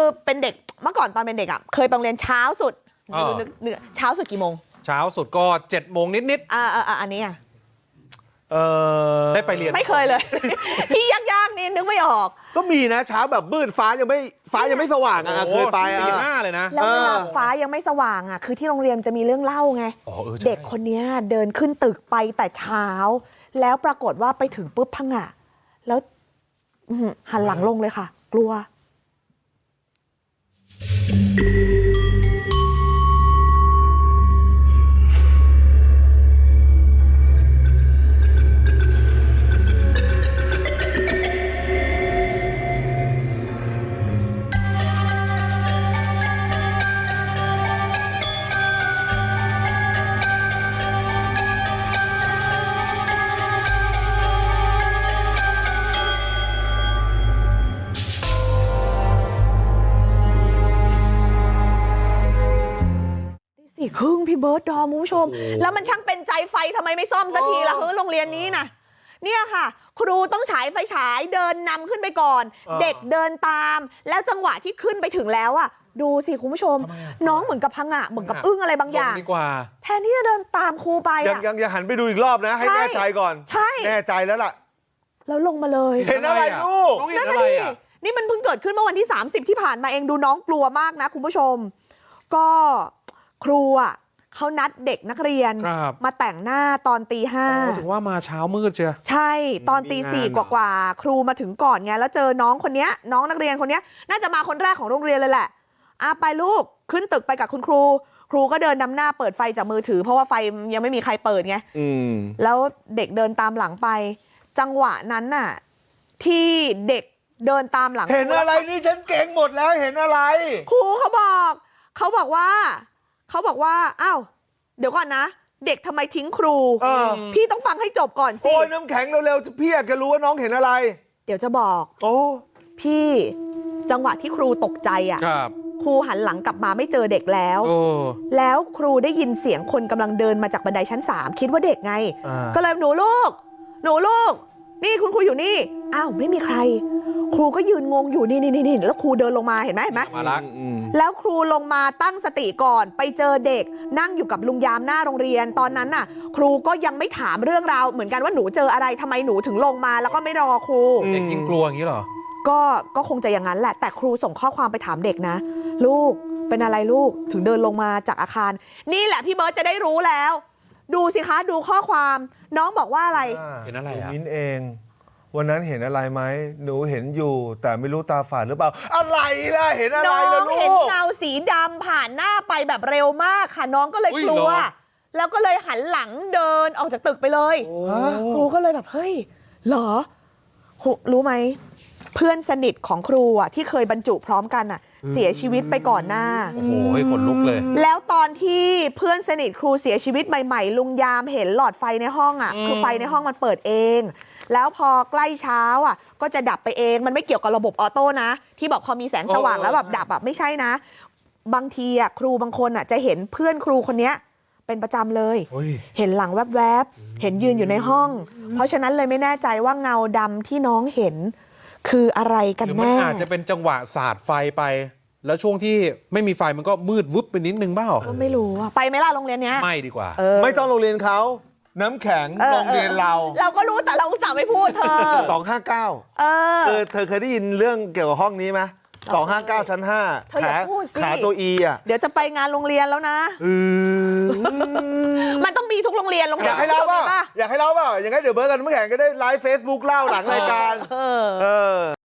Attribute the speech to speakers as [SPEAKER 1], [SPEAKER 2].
[SPEAKER 1] เป็นเด็กเมื่อก่อนตอนเป็นเด็กอ่ะเคยไปโรงเรียนเช้าสุดเช้าสุดกี่โมง
[SPEAKER 2] เช้าสุดก็7 โมงนิด
[SPEAKER 1] อันนี้อ่ะ
[SPEAKER 2] ได้ไปเรียน
[SPEAKER 1] ไม่เคยเลย ที่ยากๆนี่นึกไม่ออก
[SPEAKER 3] ก็มีนะเช้าแบบมืดฟ้ายังไม่สว่างเคยไป
[SPEAKER 2] ตี 5เลยนะ
[SPEAKER 1] แล้วเวลาฟ้ายังไม่สว่างอ่ะคือที่โรงเรียนจะมีเรื่องเล่าไงเด็กคนนี้เดินขึ้นตึกไปแต่เช้าแล้วปรากฏว่าไปถึงปุ๊บพังอ่ะแล้วหันหลังลงเลยค่ะกลัวครึ่งพี่เบิร์ดดอมคุณผู้ชมแล้วมันช่างเป็นใจไฟทำไมไม่ซ่อมสักทีล่ะโรงเรียนนี้นะเนี่ยค่ะครูต้องฉายไฟฉายเดินนำขึ้นไปก่อนเด็กเดินตามแล้วจังหวะที่ขึ้นไปถึงแล้วอ่ะดูสิคุณผู้ชมน้องเหมือนกับพังเหมือนกับอึ้งอะไรบางอย่างแทนที่จะเดินตามครูไป
[SPEAKER 3] ยังหันไปดูอีกรอบนะให้แน่ใจก่อน
[SPEAKER 1] ใช่
[SPEAKER 3] แน่ใจแล้วล่ะ
[SPEAKER 1] แล้วลงมาเลย
[SPEAKER 3] เห็นอะไรลูก
[SPEAKER 1] นั่นน่ะดินี่มันเพิ่งเกิดขึ้นเมื่อวันที่30ที่ผ่านมาเองดูน้องกลัวมากนะคุณผู้ชมก็ครูอ่ะเขานัดเด็กนักเรียนมาแต่งหน้าตอนตี 5
[SPEAKER 2] ถึงว่ามาเช้ามืดเชียว
[SPEAKER 1] ใช่ตอนตี 4กว่าครูมาถึงก่อนไงแล้วเจอน้องคนนี้น้องนักเรียนคนนี้น่าจะมาคนแรกของโรงเรียนเลยแหละไปลูกขึ้นตึกไปกับคุณครูก็เดินนำหน้าเปิดไฟจากมือถือเพราะว่าไฟยังไม่มีใครเปิดไงแล้วเด็กเดินตามหลังไปจังหวะนั้นน่ะที่เด็กเดินตามหลัง
[SPEAKER 3] เห็นอะไรนี่ฉันเก่งหมดแล้วเห็นอะไร
[SPEAKER 1] ครูเขาบอกว่าอ้าวเดี๋ยวก่อนนะเด็กทำไมทิ้งครูพี่ต้องฟังให้จบก่อนสิ
[SPEAKER 3] โอ้ยน้ำแข็งเร็วๆพี่อยากจะรู้ว่าน้องเห็นอะไร
[SPEAKER 1] เดี๋ยวจะบอกพี่จังหวะที่ครูตกใจอ่ะครูหันหลังกลับมาไม่เจอเด็กแล้วครูได้ยินเสียงคนกำลังเดินมาจากบันไดชั้น3คิดว่าเด็กไงก็เลยหนูลูกนี่คุณครูอยู่นี่อ้าวไม่มีใครครูก็ยืนงงอยู่นี่แล้วครูเดินลงมาเห็นไหมแล้วครูลงมาตั้งสติก่อนไปเจอเด็กนั่งอยู่กับลุงยามหน้าโรงเรียนตอนนั้นน่ะครูก็ยังไม่ถามเรื่องราวเหมือนกันว่าหนูเจออะไรทำไมหนูถึงลงมาแล้วก็ไม่รอครู
[SPEAKER 2] เด็กยิ่งกลัวอย่างนี้เหรอ
[SPEAKER 1] ก็คงจะอย่างนั้นแหละแต่ครูส่งข้อความไปถามเด็กนะลูกเป็นอะไรลูกถึงเดินลงมาจากอาคารนี่แหละพี่เบิร์ตจะได้รู้แล้วดูสิคะดูข้อความน้องบอกว่าอะไร
[SPEAKER 2] เห็นอะไร
[SPEAKER 3] มิ้นเองวันนั้นเห็นอะไรไหมหนูเห็นอยู่แต่ไม่รู้ตาฝาดหรือเปล่าอะไรล่ะเห็นอะไรล่ะลูก
[SPEAKER 1] น้องเห็นเงาสีดำผ่านหน้าไปแบบเร็วมากค่ะน้องก็เลยกลัวแล้วก็เลยหันหลังเดินออกจากตึกไปเลยครูก็เลยแบบเฮ้ยเหรอรู้ไหมเพื่อนสนิทของครูอ่ะที่เคยบรรจุพร้อมกันอ่ะเสียชีวิตไปก่อนหน้า
[SPEAKER 2] โอ้โหขนลุกเลย
[SPEAKER 1] แล้วตอนที่เพื่อนสนิทครูเสียชีวิตใหม่ๆลุงยามเห็นหลอดไฟในห้องอ่ะคือไฟในห้องมันเปิดเองแล้วพอใกล้เช้าอ่ะก็จะดับไปเองมันไม่เกี่ยวกับระบบออโต้นะที่บอกพอมีแสงสว่างแล้วแบบดับแบบไม่ใช่นะบางทีอ่ะครูบางคนอ่ะจะเห็นเพื่อนครูคนนี้เป็นประจำเลยเห็นหลังแวบๆเห็นยืนอยู่ในห้องเพราะฉะนั้นเลยไม่แน่ใจว่าเงาดำที่น้องเห็นคืออะไรกันแน่
[SPEAKER 2] หรือมันอาจจะเป็นจังหวะสาดไฟไปแล้วช่วงที่ไม่มีไฟมันก็มืดวึบไปนิดนึงเปล่า
[SPEAKER 1] ก็ไม่รู้ไปไหมล่ะโรงเรียนเนี้ย
[SPEAKER 2] ไม่ดีกว่า
[SPEAKER 3] ไม่ต้องโรงเรียนเขาน้ำแข็งโรงเรียนเรา
[SPEAKER 1] ก็รู้แต่เราอุตส่าห์ไม่พูดเธอ
[SPEAKER 3] 259เธอเคยได้ยินเรื่องเกี่ยวกับห้องนี้ไหม259ชั้น5ขาตัว E อ่ะ
[SPEAKER 1] เดี๋ยวจะไปงานโรงเรียนแล้วนะมันต้องมีทุกโรงเรียน
[SPEAKER 3] อยากให้เล่าเปล่าอย่างนั้นเดี๋ยวเบิร์ดกันน้ำแข็งก็ได้ไลฟ์ Facebook เล่าหลังรายการ